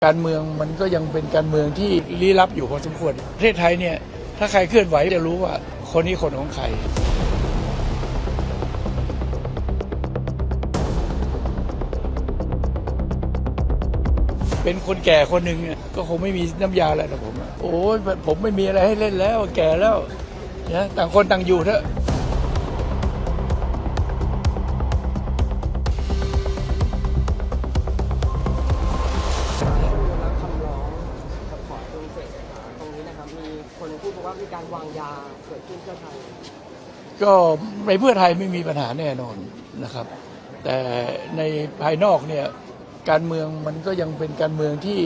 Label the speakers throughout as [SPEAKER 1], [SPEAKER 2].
[SPEAKER 1] การเมืองมันก็ยังเป็นการเมืองที่ลี้ลับอยู่พอสมควรประเทศไทยเนี่ยถ้าใครเคลื่อนไหวจะรู้ว่าคนนี้คนของใครเป็นคนแก่คนหนึ่งก็คงไม่มีน้ำยาอะไรหรอกผมโอ้ยผมไม่มีอะไรให้เล่นแล้วแก่แล้วนะต่างคนต่างอยู่เถอะ
[SPEAKER 2] คนพูดว่ามีการวางยาเกิดขึ้นเพื่อไทย
[SPEAKER 1] ก็ในเพื่อไทยไม่มีปัญหาแน่นอนนะครับแต่ในภายนอกเนี่ยการเมืองมันก็ยังเป็นการเมืองที่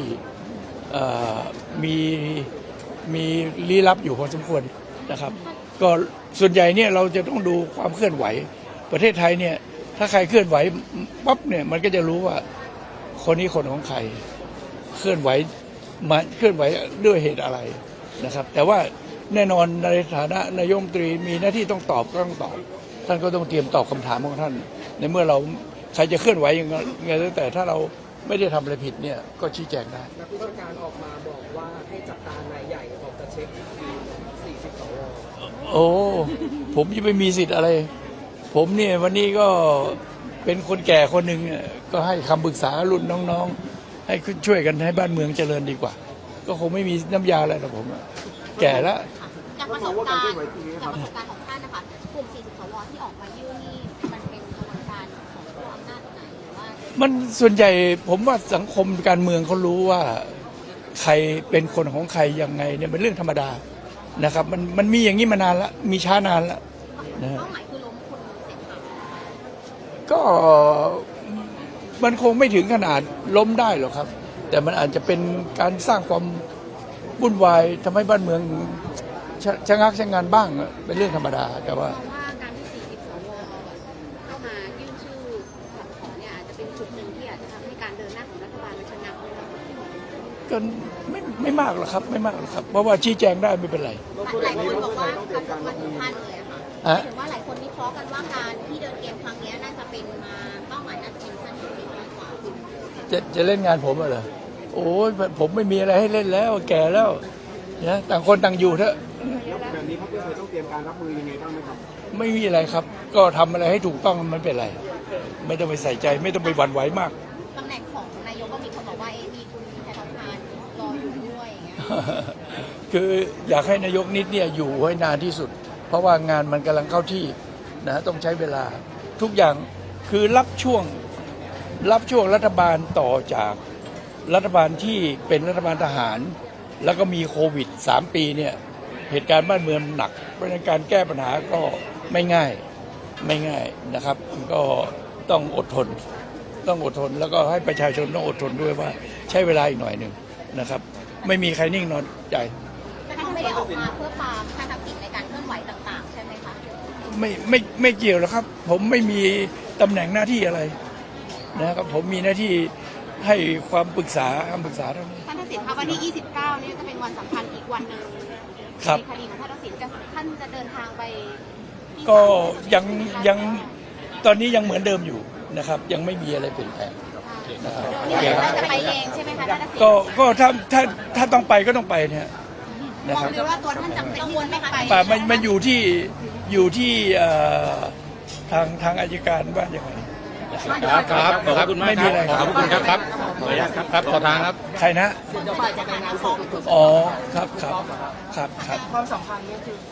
[SPEAKER 1] มีลี้ลับอยู่พอสมควรนะครับก็ส่วนใหญ่เนี่ยเราจะต้องดูความเคลื่อนไหวประเทศไทยเนี่ยถ้าใครเคลื่อนไหวปั๊บเนี่ยมันก็จะรู้ว่าคนนี้คนของใครเคลื่อนไหวด้วยเหตุอะไรนะครับแต่ว่าแน่นอนในฐานะนายกรัฐมนตรีมีหน้าที่ต้องตอบก็ต้องตอบท่านก็ต้องเตรียมตอบคำถามของท่านในเมื่อเราใครจะเคลื่อนไหวยังไงแต่ถ้าเราไม่ได้ทำอะไรผิดเนี่ยก็ชี้แจงได้
[SPEAKER 2] นักวิชาการออกมาบอกว่าให้จับตานายใหญ่ออกจะเช็ค40 สว.
[SPEAKER 1] โอ้ผมยังไม่มีสิทธิ์อะไรผมเนี่ยวันนี้ก็เป็นคนแก่คนหนึ่งก็ให้คำปรึกษารุ่นน้องๆให้ช่วยกันให้บ้านเมืองเจริญดีกว่าก็คงไม่มีน้ำยาอะไรหรอกผมแก่แล้ว
[SPEAKER 3] จากประสบการณ์ของท่านนะคะกลุ่ม40 สว.ที่ออกมายื่นนี่มันเป็นกระบวนการของผู้อำนาจไหนหรือว่า
[SPEAKER 1] มันส่วนใหญ่ผมว่าสังคมการเมืองเขารู้ว่าใครเป็นคนของใครยังไงเนี่ยเป็นเรื่องธรรมดานะครับมันมีอย่างนี้มานานแล้วมีช้านานแล้ว
[SPEAKER 3] นะเป้าหมายคือล้มคุณเศรษฐา
[SPEAKER 1] ก็มันคงไม่ถึงขนาดล้มได้หรอกครับแต่มันอาจจะเป็นการสร้างความวุ่นวายทำให้บ้านเมืองชะงักชะงันบ้างเป็นเรื่องธรรมดาแต่ว่า
[SPEAKER 3] การที่40 สว.เข้ามายื่นชื่อขอเนี่ยอาจจะเป็นจุดหนึ่งที่อาจจะทำให้การเดินหน้าของรัฐบาลมันชะงัก
[SPEAKER 1] ก็ไม่มากหรอกครับไม่มากหรอกครับเพราะว่าชี้แจงได้ไม่เป็นไร
[SPEAKER 3] หลายคนบอกว่าการมาถึงท่านเลยค่ะถึงว่าหลายคนวิเคราะห์กันว่าการที่เดินเกมครั้งนี้น่าจะเป็นมาเป้าหมายน่าจะเป็นท่านที่4มากกว่า
[SPEAKER 1] จะเล่นงานผมเหรอโอ้ยผมไม่มีอะไรให้เล่นแล้วแก่แล้วนะต่างคนต่างอยู่เถอะ
[SPEAKER 2] แบบนี้พรรคเพื่อไทยต้องเตรียมการรับมือยังไงบ้างไหมครับ
[SPEAKER 1] ไม่มีอะไรครับก็ทำอะไรให้ถูกต้องมันเป็นไรไม่ต้องไปใส่ใจไม่ต้องไปหวั่นไหวมาก
[SPEAKER 3] ตำแหน่งของนายกก็มีคนบอกว่ามีคุณแพทองทานรออยู่ด้วยอย่างเงี้ย
[SPEAKER 1] คืออยากให้นายกนิดเนี่ยอยู่ให้นานที่สุดเพราะว่างานมันกำลังเข้าที่นะต้องใช้เวลาทุกอย่างคือรับช่วงรัฐบาลต่อจากรัฐบาลที่เป็นรัฐบาลทหารแล้วก็มีโควิด3 ปีเนี่ยเหตุการณ์บ้านเมืองหนักเพราะฉะนั้นการแก้ปัญหาก็ไม่ง่ายนะครับก็ต้องอดทนแล้วก็ให้ประชาชนต้องอดทนด้วยว่าใช้เวลาอีกหน่อยหนึ่งนะครับไม่มีใครนิ่งนอนใจ
[SPEAKER 3] แต่ท่านไม่ได้ออกมาเพื่อปรามท่านทักษิณในการเคลื่อนไหวต่างๆใช่ไหมคะ
[SPEAKER 1] ไม่เกี่ยวหรอกครับผมไม่มีตำแหน่งหน้าที่อะไรนะครับผมมีหน้าที่ให้ความปรึกษาคำปรึกษาเท่านี้
[SPEAKER 3] ท่านทักษิณครับวันที่29นี่จะเป็นวันสำคัญอีกวันหนึ่งในคดีของท่านทักษิณท่านจะเดินทางไป
[SPEAKER 1] ก็ยังตอนนี้ยังเหมือนเดิมอยู่นะครับยังไม่มีอะไรเปลี่ยนแปลง
[SPEAKER 3] นะครับจะไปเองใช่ไหมคะท่านทักษิณ
[SPEAKER 1] ก็ถ้าต้องไปก็ต้องไปเนี่ยนะครับ
[SPEAKER 3] หรือว่าตัวท่านจำเป็นที่จะไม่ไป
[SPEAKER 1] ป่ามันอยู่ที่ทางอัยการว่าอย่างไร
[SPEAKER 4] ครับขอบคุณมาก
[SPEAKER 1] ไม่มีอะไร
[SPEAKER 4] ขอบคุณครับขออนุญาตครับขอทางครับ
[SPEAKER 1] ใครนะอ๋อครับ
[SPEAKER 2] ความสัมพันธ์นี่คือ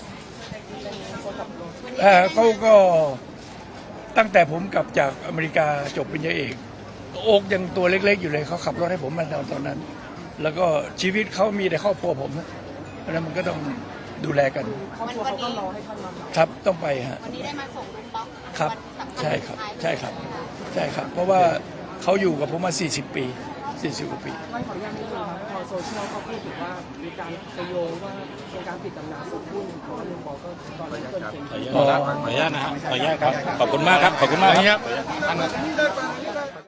[SPEAKER 1] เขาก็ตั้งแต่ผมกลับจากอเมริกาจบปริญญาเอกโอ๊กยังตัวเล็กๆอยู่เลยเขาขับรถให้ผมมาตอนนั้นแล้วก็ชีวิตเขามีแต่ครอบครัวผมนะเพราะนั้นมันก็ต้องดูแลกันครับต้องไปฮะ
[SPEAKER 3] วันนี้ได้มาส่งลุงป๊อก
[SPEAKER 1] ครับใช่ครับเพราะว่าเขาอยู่กับผมมา40 ปี40 กว่าปี
[SPEAKER 2] ไม่ขออนุญาตนิดนึงครับพอโซเชียลเขาพูดถึงว่ามีการโยงว่าเป็นการปิดตำนานสมบูรณ์ของลุงป๊อกก็ตอนนี้เกินจริง
[SPEAKER 4] ขออนุญาตนะครับขออนุญาตครับขอบคุณมากครับขอบคุณมากครับ